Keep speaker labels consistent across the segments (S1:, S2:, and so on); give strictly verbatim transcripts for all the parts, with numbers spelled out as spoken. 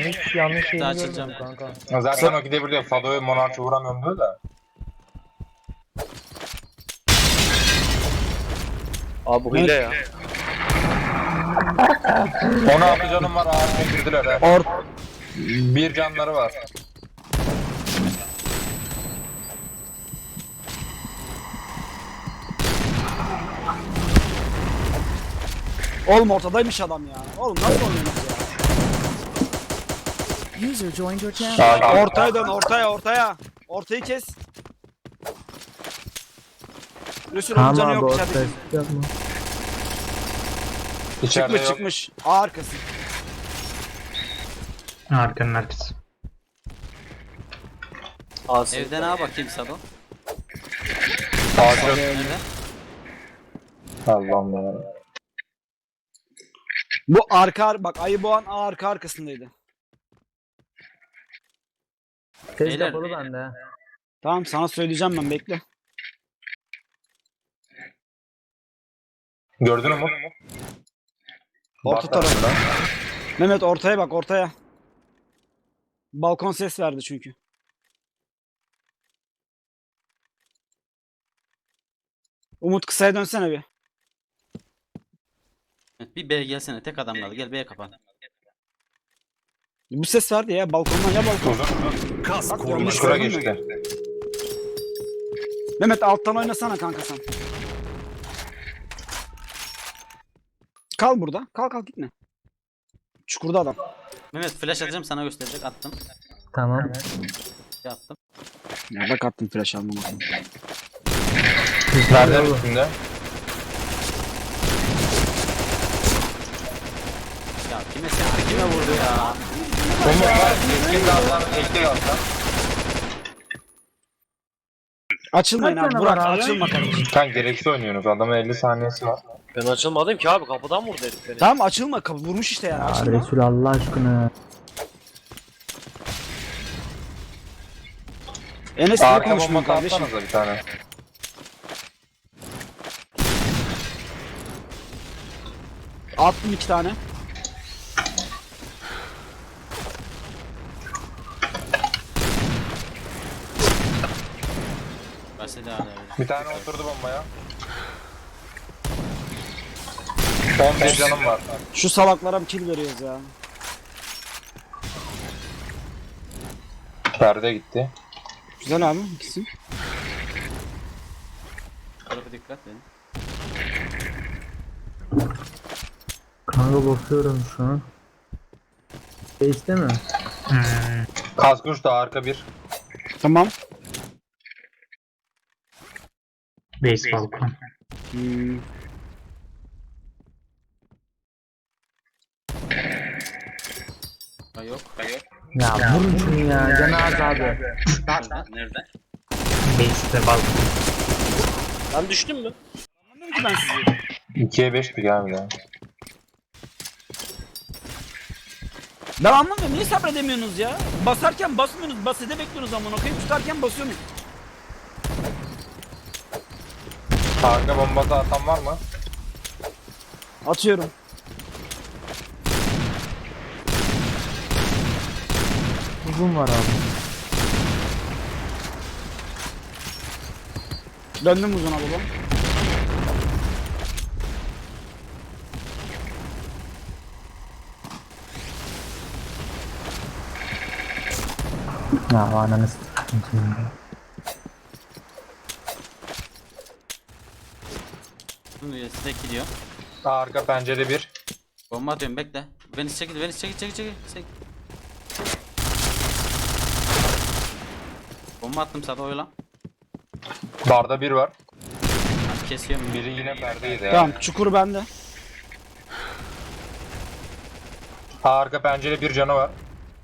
S1: hiçbir şey yanlış şeyini
S2: Açılacağım.
S1: görmedim kanka.
S3: Ya zaten o gidebiliyor. Fado'yu Monarch'ı vuramıyorum diyor da.
S4: Abi bu hile ya.
S3: on altı canım var, ağır girdiler ha.
S2: Or
S3: Bir canları var.
S2: Oğlum ortadaymış adam ya. Oğlum nasıl oynuyorsunuz ya?
S5: User joined your channel.
S3: Sağ
S2: Ortaya dön, ortaya, ortaya. Ortayı kes. Resul onun canı yok içeride.
S3: İçeride
S2: Çıkmış
S3: yok.
S2: çıkmış. A arkası.
S6: Arkanın arkası.
S4: Asi.
S7: Evden ağa bakayım Sado.
S3: Ağacı.
S7: Nerede?
S3: Allah'ım ya.
S2: Bu arka bak ayı boğan A arka arkasındaydı.
S1: Tez
S7: Beyler.
S1: kapalı bende.
S2: Tamam sana söyleyeceğim ben bekle.
S3: Gördün mü?
S2: Orta
S3: Bak
S2: taraf.
S3: tarafından.
S2: Mehmet ortaya bak ortaya. Balkon ses verdi çünkü. Umut kısaya dönsene bir.
S7: Evet, bir B'ye gelsene, tek adam kaldı. Gel B'ye kapan.
S2: Bu ses verdi ya balkondan ya balkon.
S3: Uzun.
S8: Kas
S2: Bak,
S8: koruması.
S2: yanlış
S3: Şura
S2: gördün mü?
S3: geçti.
S2: Mehmet alttan oynasana kanka sen. Kal burada. Kal kal gitme. Çukurda adam.
S7: Mehmet flash atacağım, sana gösterecek. Attım.
S1: Tamam.
S7: Şey attım.
S2: Ya bak attım flash almama.
S3: Nereden üstünde?
S7: Ya kime sen kime vurdu ya?
S3: Bomba var. Keskin gazdan, eski gazdan.
S2: Açılmayın
S1: Kaç
S2: abi.
S1: tane
S2: Burak
S1: var abi?
S2: açılma kardeşim.
S3: Sen gereksiz oynuyorsunuz. Adamın elli saniyesi var.
S4: Ben açılmadım ki abi, kapıdan vurdu herif beni.
S2: Tamam açılma. Kapı vurmuş işte yani.
S1: Ya
S2: Açılma.
S1: Resul Allah aşkına.
S2: Enes niye
S3: Arka
S2: konuşmuyor
S3: bomba
S2: kardeşim?
S3: atsanıza bir tane.
S2: Attım iki tane.
S7: Bahsede hala öyle.
S3: Bir tane oturdu bombaya. on bir canım var.
S2: Şu salaklara bir kill veriyoruz ya.
S3: Perde gitti.
S2: Güzel abi ikisi.
S7: Tarafa dikkat edin.
S1: Kanka bakıyorum şu an. Base'de mi?
S6: Hmm.
S3: Kaskuş da arka bir.
S2: Tamam.
S6: Base balkon.
S2: Hmm.
S7: Ha yok. Ha yok.
S1: Ya vurun şunu ya. Canı az abi.
S7: Nerede? Nerede?
S6: Base'de balkon.
S4: Ben düştüm mü?
S2: Anladım ki ben sizi.
S3: ikiye beşti galiba. Ya.
S2: Ben anlamıyorum. Niye sabredemiyorsunuz ya? Basarken basmıyorsunuz. Basede bekliyorsunuz amına koyayım. Tutarken basıyorsunuz.
S3: Arka bombası atan var mı?
S2: Atıyorum.
S1: Uzun var abi.
S2: Döndüm uzuna baba.
S1: Ya ananı s**tim.
S7: Bunu size gidiyor.
S3: Arka pencere bir.
S7: Bomba atıyorum, bekle. Beni çekil, beni çekil, çekil, çekil. çekil. Bomba attım Sado, oyla.
S3: Barda bir var.
S7: Tamam, kesiyorum.
S3: Biri yine perdeydi ya.
S2: Tamam çukur bende.
S3: Arka pencere bir canı var.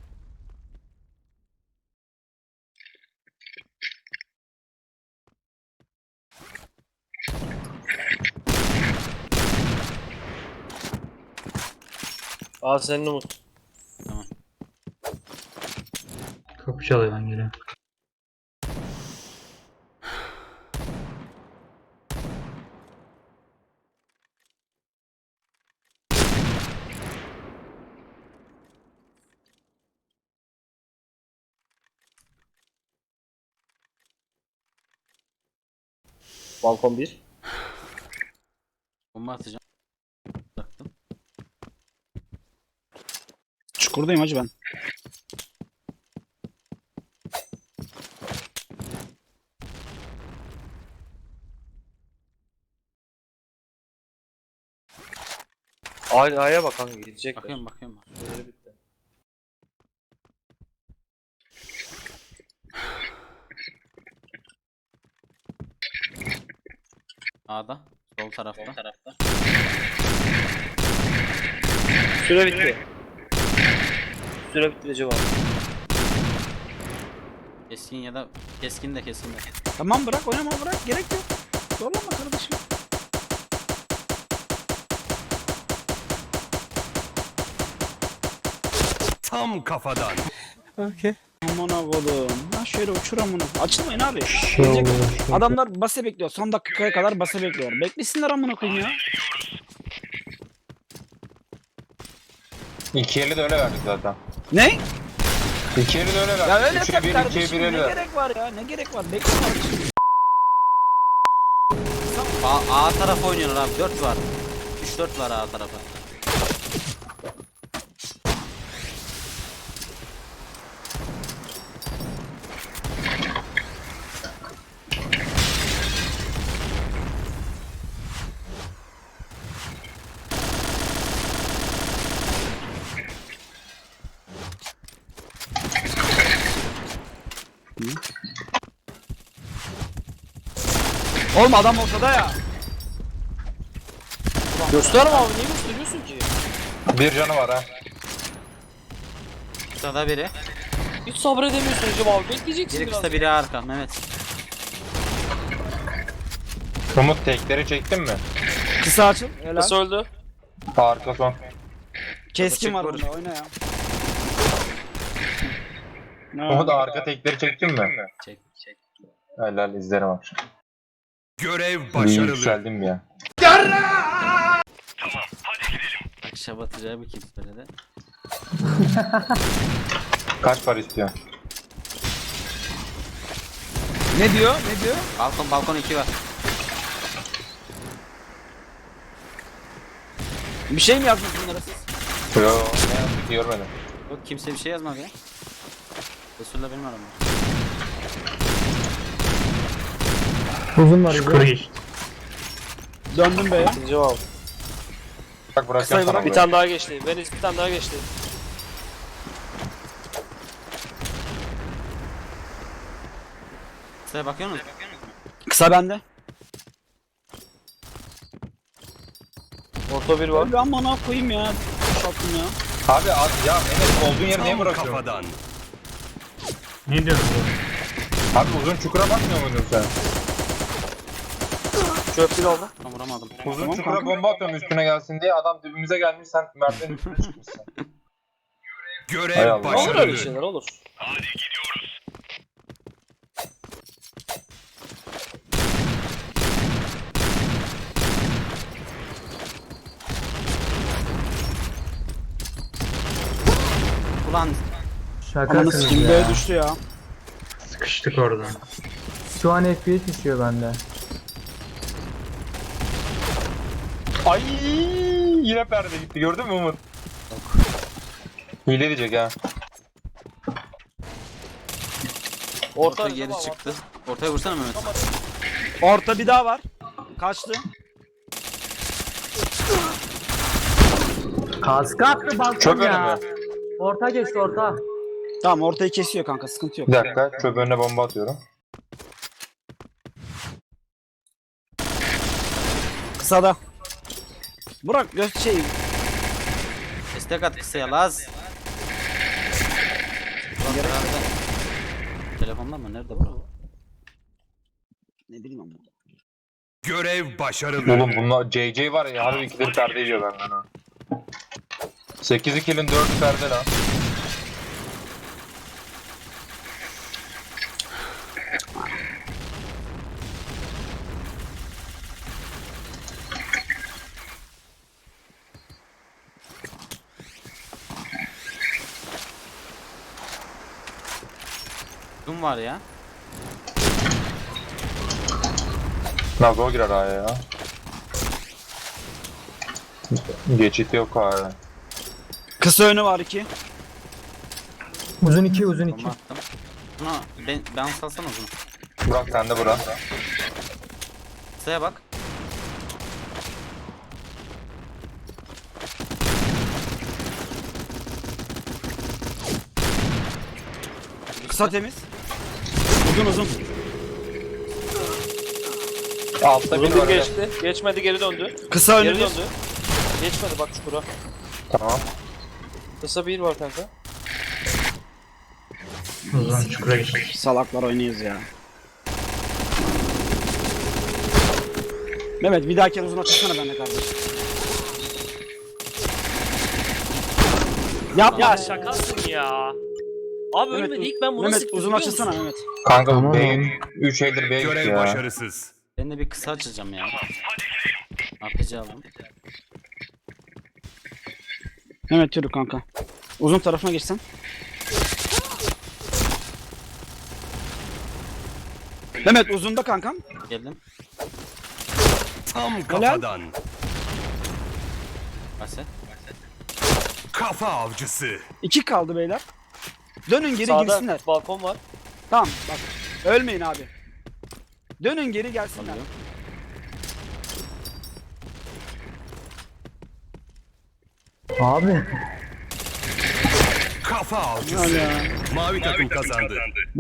S4: Aa senin Umut.
S6: Kapı çalıyor lan geliyor.
S4: Balkon bir.
S7: Bomba atacağım. Bıraktım.
S2: Çukurdayım hacı ben.
S4: Ay A'ya bak hangi gidecekler.
S7: Bakıyorum bakıyorum.
S4: Böyle bitti.
S7: A'da. Sol tarafta. Sol tarafta.
S4: Süre bitti. Süre bitti Recep abi.
S7: Keskin ya da keskin de keskin de.
S2: Tamam bırak oynama bırak gerek yok. Zorlama kardeşim.
S5: Tam kafadan.
S2: Okey. Aman oğlum. Ha şöyle uçur amına. Açılmayın abi.
S1: Şey
S2: Gelecek-
S1: oluyor, şey
S2: Adamlar base bekliyor. Son dakikaya kadar base bekliyor. Beklesinler amına koyayım ya.
S3: İki eli de öyle verdik zaten.
S2: Ne?
S3: İki eli de öyle verdik.
S2: Ya öyle
S3: Üçe
S2: yap
S3: bir,
S2: kardeşim.
S3: ikiye bir
S2: Ne
S3: eli ver.
S2: gerek var ya? Ne gerek var? Bekle kardeşim.
S7: A, A tarafı oynuyorlar abi. dört var. üç dört var A tarafı.
S2: Oğlum adam ortada ya.
S4: Gösterme abi niye gösteriyorsun ki?
S3: Bir canı var ha.
S7: Kısada biri.
S4: Hiç sabredemiyorsun Recep abi bekleyeceksin
S7: Biri
S4: biraz.
S7: kısa biri arka. Mehmet.
S3: Umut tekleri çektin mi?
S2: Kısa açıl. Helal.
S4: Nasıl öldü?
S3: Arka son.
S2: Keskin var
S7: Vur.
S2: bunda. Oyna ya.
S3: Umut arka tekleri çektin mi?
S7: Çek çek.
S3: Helal izlerim akşam.
S5: Görev
S3: Bir
S5: başarılı.
S3: yükseldim ya.
S7: Akşam atacağı bir kim söyledi.
S3: Kaç para istiyor?
S2: Ne diyor? Ne diyor?
S7: Balkon balkon iki var.
S2: Bir şey mi yazdınız bunlara siz?
S3: Yo ne yazdık görmedim.
S7: Yok kimse bir şey yazmadı ya. Resul'la benim aramda.
S1: Uzun var
S6: Çukur
S1: uzun.
S6: geçti.
S2: Döndüm be ya.
S4: Recep abi.
S3: Bak bırakacağım
S2: Kısayı
S3: sana
S2: bırak,
S4: Bir
S3: burayı.
S4: tane daha geçti. Venice bir tane daha geçti.
S7: Size bakıyor musun?
S2: Kısa bende.
S4: Orta bir var.
S2: Öyle amına koyayım ya. Şattım ya.
S3: Abi az ya Mehmet olduğun yeri niye
S5: Tam
S3: bırakıyorsun?
S5: kafadan.
S6: Ne diyorsun oğlum?
S3: Abi uzun çukura bakmıyor muydun sen?
S4: Çöp bir oldu.
S7: Tam vuramadım.
S3: Uzun
S2: Tamam
S3: çukura
S2: kanka.
S3: bomba atıyorum üstüne gelsin diye adam dibimize gelmiş sen merdivenin üstüne çıkmışsın. Hay
S5: Görev
S3: Allah.
S4: Olur öyle
S5: başarılı.
S4: şeyler olur.
S7: Ulan
S2: Amanı
S1: Şakasınız
S2: sikeyim
S1: ya.
S2: böyle düştü ya.
S6: Sıkıştık orada.
S1: Şu an F P S düşüyor bende.
S3: Ay yine perde gitti gördün mü Umut? Hile diyecek ha.
S4: Orta
S7: orta
S4: Recep
S7: geri
S4: abi.
S7: çıktı. Ortaya vursana Mehmet.
S2: Orta bir daha var. Kaçtı.
S1: Kaskı attı balkon
S3: Çok
S1: ya.
S3: önemli.
S1: Orta geçti orta.
S2: Tamam ortayı kesiyor kanka sıkıntı yok.
S3: Bir dakika çöp önüne bomba atıyorum.
S2: Kısada. Burak göz şey.
S7: Destek at kısaya Laz. Ulan herhalde. Telefonda mı? Nerede bro?
S2: Ne bileyim ama.
S5: Görev başarılı.
S3: Oğlum bunlar J J var ya harbi ikileri perde yiyor benden ha. sekiz ikilin dördü perde lan.
S7: Kim var ya?
S3: Nazo girer A'ya ya. Geçit yok A'ya.
S2: Kısa önü var iki.
S1: Uzun iki uzun iki.
S7: Bomba attım. Bunu ben, ben salsana uzun.
S3: Burak sen de Burak.
S7: Kısaya bak.
S2: Kısa temiz. Uzun uzun.
S3: Altta bir
S4: Uzun bir
S3: var.
S4: geçti. Geçmedi geri döndü.
S2: Kısa
S4: Geri
S2: önü bir.
S4: döndü. Geçmedi bak çukura.
S3: Tamam.
S4: Kısa bir var kanka.
S6: Uzun çukura geçtik.
S2: Salaklar oynuyoruz ya. Mehmet bir dahaki uzun açsana benimle kardeşim. Yapma.
S4: Ya şakasın ya. Abi
S2: Mehmet,
S4: ölmedi ilk ben bunu
S2: Mehmet
S4: sıktım
S2: uzun
S4: biliyor
S2: açsana
S4: musun?
S2: Mehmet.
S3: Kanka
S1: Tamam.
S3: B üç eldir B gitti
S5: Görev
S3: ya.
S5: başarısız.
S7: Ben de bir kısa açacağım ya. A P C aldım.
S2: Mehmet yürü kanka. Uzun tarafına geçsen. Mehmet uzunda kankam.
S7: Geldim.
S5: Tam kafadan.
S7: Base.
S5: Kafa avcısı.
S2: İki kaldı beyler. Dönün geri
S4: Sağda
S2: girsinler.
S4: balkon var.
S2: Tamam bak. Ölmeyin abi. Dönün geri gelsinler.
S7: Alıyorum.
S1: Abi.
S5: Kafa
S2: Ya
S5: avcısı.
S2: ya.
S5: Mavi takım kazandı.